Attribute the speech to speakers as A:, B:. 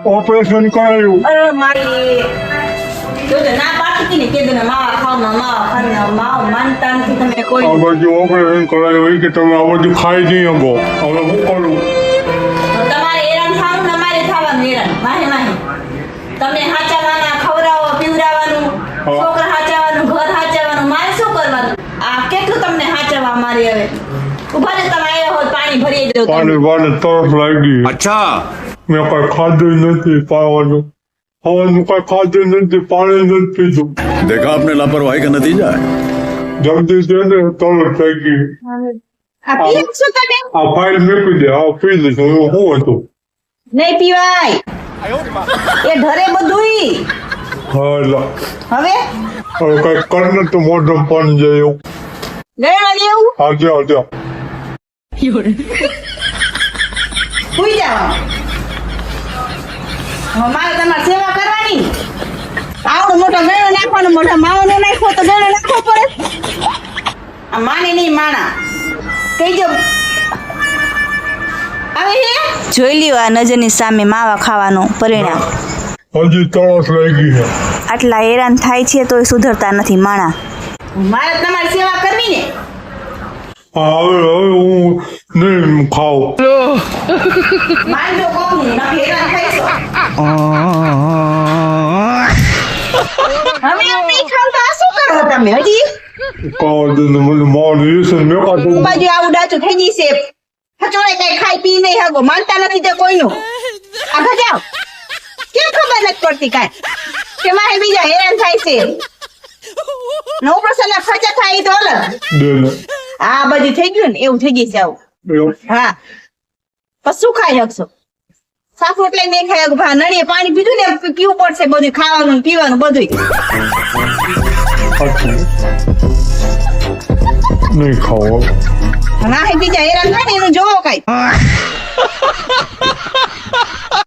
A: operation कराયું
B: અરે મારી જો તો ના પાડતી હતી ને કીધું ને માવા ખાવ માવા માનતા નથી તમે કોઈ
A: આ બાજુ ઓપરેશન કરાયું હોય કે તમે આ બધું ખાઈ નહીં શકો હવે શું કરું
B: તમારે હેરાન થવાનું ને અમારે થવાનું હેરાન માહે માહે તમને હાચાવાના ખવડાવો પીવડાવવાનું છોકરા હાચાવાનું ઘર હાચાવાનું મારે શું કરવાનું આ કેટલું તમને હાચાવા અમારે હવે ઉભા રહે તમે આવ્યા હોય પાણી ભરી દો
A: પાણી વાને તરસ લાગી
C: अच्छा
A: મેં કઈ ખાધું નથી પાવાનું હવાનું કઈ ખાધું નથી પાણી નથી પીધું
C: देखा आपने लापरवाही का नतीजा है
A: જલ્દી છે ને તરસ લાગી
B: આ પીએ છો તમે
A: આ ફાઇલ મૂકી દે આ પી લીધું એવું શું હતું
B: નહીં પીવાય એ ઘરે બધુંય
A: હા લા
B: હવે
A: હવે કઈ કરને તો મોઢમ પાણી જાય એવું
B: ગયડા લેવું
A: આજે આજે
B: સુઈ જાવ મારે તમારે સેવા કરવાની આવડો મોટો ગયડો નાખવાનો મોઢા માવાનો નાખો તો ગયડો નાખવો પડે આ માને નહીં માણા કહીજો હવે હે જોઈ લ્યો આ નજરની સામે માવા ખાવાનું પરિણામ
A: હજી તરસ લાગી છે
B: આટલા હેરાન થાય છે તોય સુધરતા નથી માણા મારે તમારી સેવા કરવી ને
A: હા હવે હું નહીં ખાવ
B: માનજો કોણ ના હેરાન થાય છો હવે એમ નહીં ખાવતા આ શું કરો તમે હજી
A: કાવા દે ને મને મારી છે મેં કાઢું
B: બાજુ આવું ડાચું થઈ જશે હચોડે કઈ ખાઈ પી નહીં હગો માનતા નથી તે કોઈનું આ ભજાવ કેમ ખબર નથી પડતી કાંઈ કે મારે બીજા હેરાન થાય છે નવ પ્રસન્ન ખર્ચા થાય તો અલગ
A: દે ને
B: આ બધું થઈ ગયું ને એવું થઈ ગયું છે આવું
A: એવું
B: હા પછી શું ખાઈ શકશો સાફ એટલે નહીં ખાઈ શકો નળીએ પાણી પીધું ને પીવું પડશે બધું ખાવાનું ને પીવાનું બધું
A: સાચું નહીં ખાવ
B: ના બીજા હેરાન થાય ને એનું જોવો કઈ